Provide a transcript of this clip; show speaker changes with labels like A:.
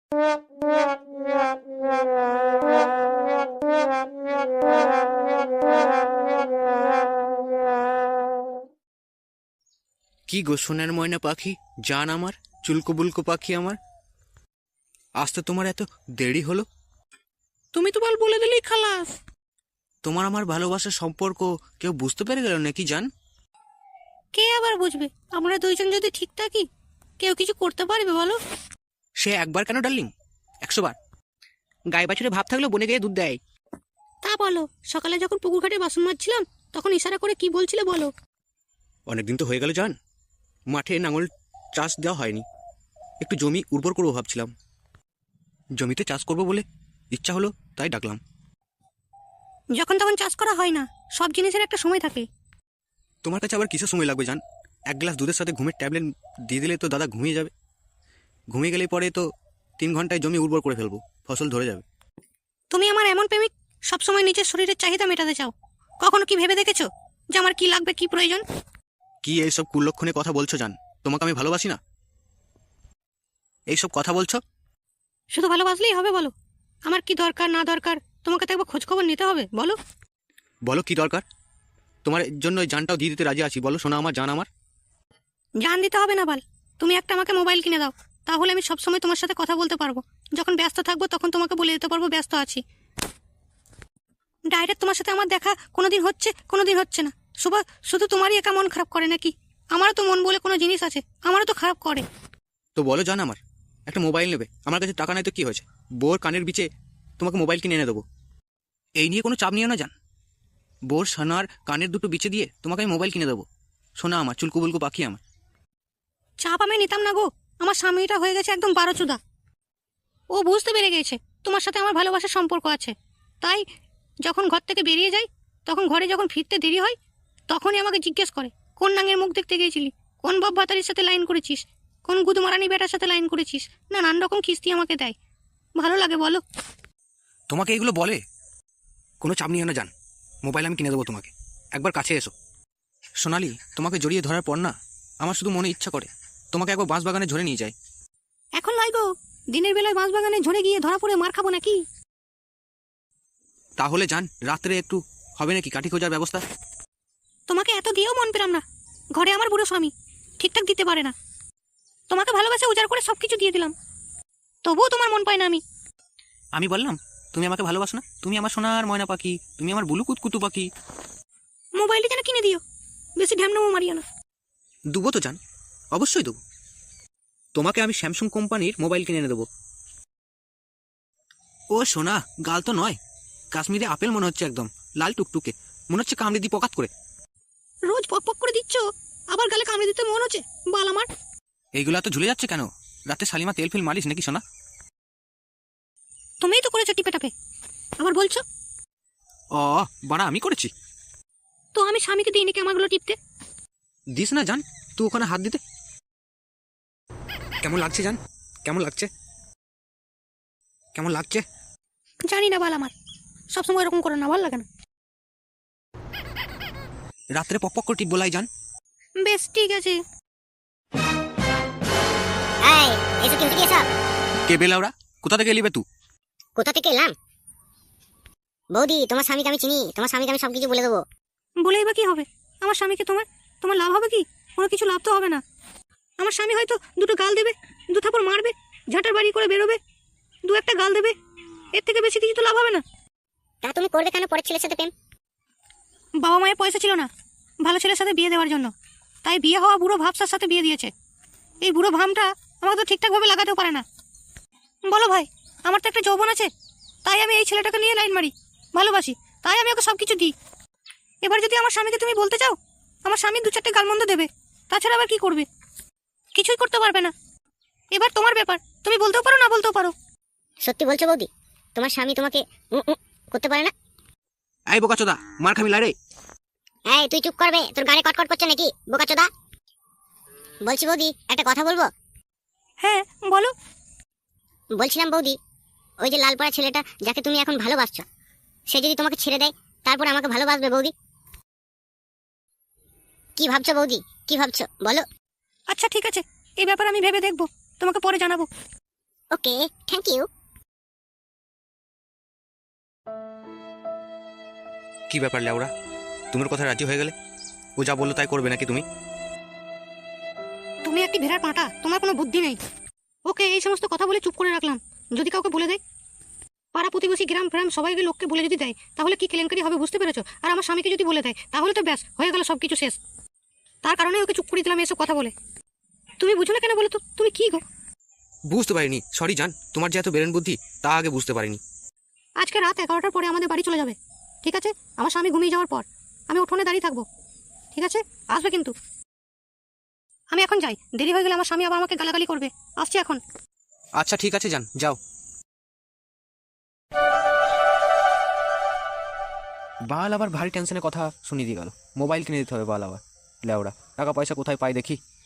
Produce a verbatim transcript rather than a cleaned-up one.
A: কি গো সোনার ময়না পাখি, জান আমার, চুলকো বুলকো পাখি আমার, আসতে তোমার এত দেরি হলো?
B: তুমি তো বল বলে দিলেই খালাস।
A: তোমার আমার ভালোবাসার সম্পর্ক কেউ বুঝতে পেরে গেল নাকি জান?
B: কে আবার বুঝবে? আমরা দুইজন যদি ঠিক থাকি কেউ কিছু করতে পারবে বলো?
A: সে একবার কেন ডার্লিং, একশো বার। গায়ে বাছুরে ভাব থাকলেও বনে গিয়ে দুধ দেয়।
B: তা বলো, সকালে যখন পুকুর ঘাটে বাসন মাজছিলাম তখন ইশারা করে কি বলছিলে বলো?
A: অনেকদিন তো হয়ে গেল জান, মাঠে নাঙল চাষ দেওয়া হয়নি, একটু জমি উর্বর করবো ভাবছিলাম। জমিতে চাষ করবো বলে ইচ্ছা হলো, তাই ডাকলাম।
B: যখন তখন চাষ করা হয় না, সব জিনিসের একটা সময় থাকে।
A: তোমার কাছে আবার কিসের সময় লাগবে জান? এক গ্লাস দুধের সাথে ঘুমের ট্যাবলেট দিয়ে দিলে তো দাদা ঘুমিয়ে যাবে। ঘুমিয়ে গেলে পরে তো তিন ঘন্টায় জমি উর্বর করে ফেলবো, ফসল ধরে যাবে।
B: তুমি আমার এমন প্রেমিক, সবসময় নিজের শরীরের চাহিদা মেটাতে চাও। কখনো কি ভেবে দেখেছো যে আমার কি লাগবে, কি প্রয়োজন?
A: কি এইসব কুলক্ষণে কথা বলছো জান? তোমাকে আমি ভালোবাসি না, এইসব কথা বলছো?
B: শুধু ভালোবাসলেই হবে বলো? আমার কি দরকার না দরকার তোমাকে তো একবার খোঁজ খবর নিতে হবে, বলো?
A: বলো কি দরকার? তোমার জন্য ওই জানটাও দিয়ে দিতে রাজি আছি, বলো সোনা আমার, জান আমার।
B: জান দিতে হবে না বাল, তুমি একটা আমাকে মোবাইল কিনে দাও, তাহলে আমি সবসময় তোমার সাথে কথা বলতে পারবো। যখন ব্যস্ত থাকবো তখন তোমাকে বলে দিতে পারবো ব্যস্ত আছি। ডাইরেক্ট তোমার সাথে আমার দেখা কোনোদিন হচ্ছে, কোনোদিন হচ্ছে না। শুভ- শুধু তোমারই একা মন খারাপ করে নাকি? আমারও তো মন বলে কোনো জিনিস আছে, আমারও তো খারাপ করে।
A: তো বলো জান আমার, একটা মোবাইল নেবে, আমার কাছে টাকা নাই তো কি হয়েছে, বোর কানের বিচে তোমাকে মোবাইল কিনে এনে দেবো। এই নিয়ে কোনো চাপ নিও না জান, বোর সোনার কানের দুটো বিচে দিয়ে তোমাকে আমি মোবাইল কিনে দেবো। সোনা আমার, চুলকু বুলকু পাখি আমার।
B: চাপ আমি নিতাম না গো, আমার স্বামীটা হয়ে গেছে একদম বারোচুদা। ও বুঝতে পেরে গেছে তোমার সাথে আমার ভালোবাসার সম্পর্ক আছে, তাই যখন ঘর থেকে বেরিয়ে যাই তখন ঘরে যখন ফিরতে দেরি হয় তখনই আমাকে জিজ্ঞেস করে কোন নাঙের মুখ দেখতে গিয়েছিলি, কোন বাপ ভাতারির সাথে লাইন করেছিস, কোন গুদমারানি বেটার সাথে লাইন করেছিস, নানান রকম কিস্তি আমাকে দেয়। ভালো লাগে বলো?
A: তোমাকে এগুলো বলে? কোনো চাপ নিও না জান, মোবাইল আমি কিনে দেবো তোমাকে, একবার কাছে এসো। সোনালি, তোমাকে জড়িয়ে ধরার পর না আমার শুধু মনে ইচ্ছা করে তোমাকে একবার বাঁশ বাগানে ঝরে নিয়ে যায়।
B: এখন নয় গো, দিনের বেলায় বাঁশ বাগানে ঝরে গিয়ে ধরা পড়ে মার খাবো নাকি?
A: তাহলে জান রাত্রে একটু হবে নাকি কাঠি খোঁজার ব্যবস্থা?
B: তোমাকে এত দিয়েও মন পেলাম না, ঘরে আমার বুড়ো স্বামী ঠিকঠাক দিতে পারে না। তোমাকে ভালোবাসে উজাড় করে সবকিছু দিয়ে দিলাম, তবুও তোমার মন পায় না আমি।
A: আমি বললাম তুমি আমাকে ভালোবাসো না? তুমি আমার সোনার ময়না পাখি, তুমি আমার বুলু কুতকুতু পাখি।
B: মোবাইলটা যেন কিনে দিও, বেশি ঢ্যামনামো মারিও না।
A: দেবো তো জান, অবশ্যই দেবো। তোমাকে আমি স্যামসাং কোম্পানির মোবাইল কিনে এনে দেবো। ও সোনা, গাল তো নয়, কাশ্মীরে আপেল মনে হচ্ছে, একদম লাল টুকটুকে, মনে হচ্ছে কামড়ে দি পকাত করে।
B: রোজ পক পক করে দিচ্ছ, আবার গালে কামড়ে দিতে মন হচ্ছে বাল আমার।
A: এইগুলা তো ঝুলে যাচ্ছে কেন? রাতে শালিমা তেল ফেল মালিশ নাকি সোনা?
B: তুমিই তো করেছো টিপে টাপে, আবার বলছো?
A: ও বাড়া, আমি করেছি?
B: তো আমি স্বামীকে দিই নাকি আমারগুলো টিপতে?
A: দিস না জান, তুই ওখানে হাত দিতে। কেমন লাগছে জান, কেমন লাগছে, কেমন লাগছে?
B: জানি না বাল আমার, সবসময় এরকম করে না, ভালো লাগে না।
A: রাত্রে পক পক করে টিপ বলাই জান।
B: বেশ ঠিক আছে।
C: এই এসব কিনতে কি এসব?
A: কে বেলাওরা, কোথা থেকে এলিবে তুই?
C: কোথা থেকে এলাম? বৌদি, তোমার স্বামীকে আমি চিনি, তোমার স্বামীকে আমি সবকিছু বলে দেবো।
B: বলেই বা কি হবে? আমার স্বামীকে তোমার তোমার লাভ হবে কি? কোনো কিছু লাভ তো হবে না। আমার স্বামী হয়তো দুটো গাল দেবে, দু থাপড় মারবে, ঝাঁটার বাড়ি করে বেরোবে, দু একটা গাল দেবে, এর থেকে বেশি কিছু তো লাভ হবে না।
C: তা তুমি করবে কেন পরের ছেলের সাথে প্রেম?
B: বাবা মায়ের পয়সা ছিল না ভালো ছেলের সাথে বিয়ে দেওয়ার জন্য, তাই বিয়ে হওয়া বুড়ো ভাবসার সাথে বিয়ে দিয়েছে। এই বুড়ো ভামটা আমাকে তো ঠিকঠাকভাবে লাগাতেও পারে না। বলো ভাই, আমার তো একটা যৌবন আছে, তাই আমি এই ছেলেটাকে নিয়ে লাইন মারি, ভালোবাসি, তাই আমি ওকে সব কিছু দিই। এবার যদি আমার স্বামীকে তুমি বলতে চাও, আমার স্বামী দু চারটে গালমন্দ দেবে, তাছাড়া আবার কি করবে? কিছুই করতে পারবে না। এবার তোমার ব্যাপার, তুমি বলতেও পারো না বলতেও পারো।
C: সত্যি বলছো বৌদি? তোমার স্বামী তোমাকে উঁ উঁ করতে পারে না?
A: এই বোকাচোদা, মার খাবি লারে।
C: এই তুই চুপ করবে, তোর গানে কটকট করছে নাকি বোকাচোদা? বলছি বৌদি, একটা কথা বলবো?
B: হ্যাঁ বলো।
C: বলছিলাম বৌদি, ওই যে লালপাড়া ছেলেটা যাকে তুমি এখন ভালোবাসছো, সে যদি তোমাকে ছেড়ে দেয় তারপর আমাকে ভালোবাসবে বৌদি? কি ভাবছো বৌদি, কি ভাবছো বলো?
B: আচ্ছা ঠিক আছে, এই ব্যাপার আমি ভেবে দেখবো, তোমাকে পরে জানাবো।
C: Okay, thank you.
A: কি ব্যাপার লেওরা, তুমি ওর কথা রাজি হয়ে গেলে? ও যা বললো তাই করবে নাকি তুমি?
B: তুমি একটি ভেড়ার পাঁটা, তোমার কোনো বুদ্ধি নেই। ওকে এই সমস্ত কথা বলে চুপ করে রাখলাম, যদি কাউকে বলে দেয়, পাড়া প্রতিবেশী গ্রাম ফ্রাম সবাইকে লোককে বলে যদি দেয়, তাহলে কি কেলেঙ্কারি হবে বুঝতে পেরেছো? আর আমার স্বামীকে যদি বলে দেয়, তাহলে তো ব্যাস হয়ে গেল সব কিছু শেষ। তার কারণে ওকে চুপ করে দিলাম এসব কথা বলে। তুমি বুঝো না কেন বলো তো? তুমি কি গো?
A: বুঝতে পারিনি, সরি জান, তোমার যে এত বেরেন বুদ্ধি তা আগে বুঝতে পারিনি।
B: আজকে রাত এগারোটার পরে আমাদের বাড়ি চলে যাবে, ঠিক আছে? আমার স্বামী ঘুমিয়ে যাওয়ার পর আমি উঠোনে দাঁড়িয়ে থাকবো, ঠিক আছে? আসবে কিন্তু। আমি এখন যাই, দেরি হয়ে গেলে আমার স্বামী আবার আমাকে গালাগালি করবে। আসছি এখন।
A: আচ্ছা ঠিক আছে যান, যাও। বাল আবার ভারী টেনশনের কথা শুনিয়ে দিয়ে গেল। মোবাইল কিনে দিতে হবে বাল আবার। লেওড়া টাকা পয়সা কোথায় পাই দেখি।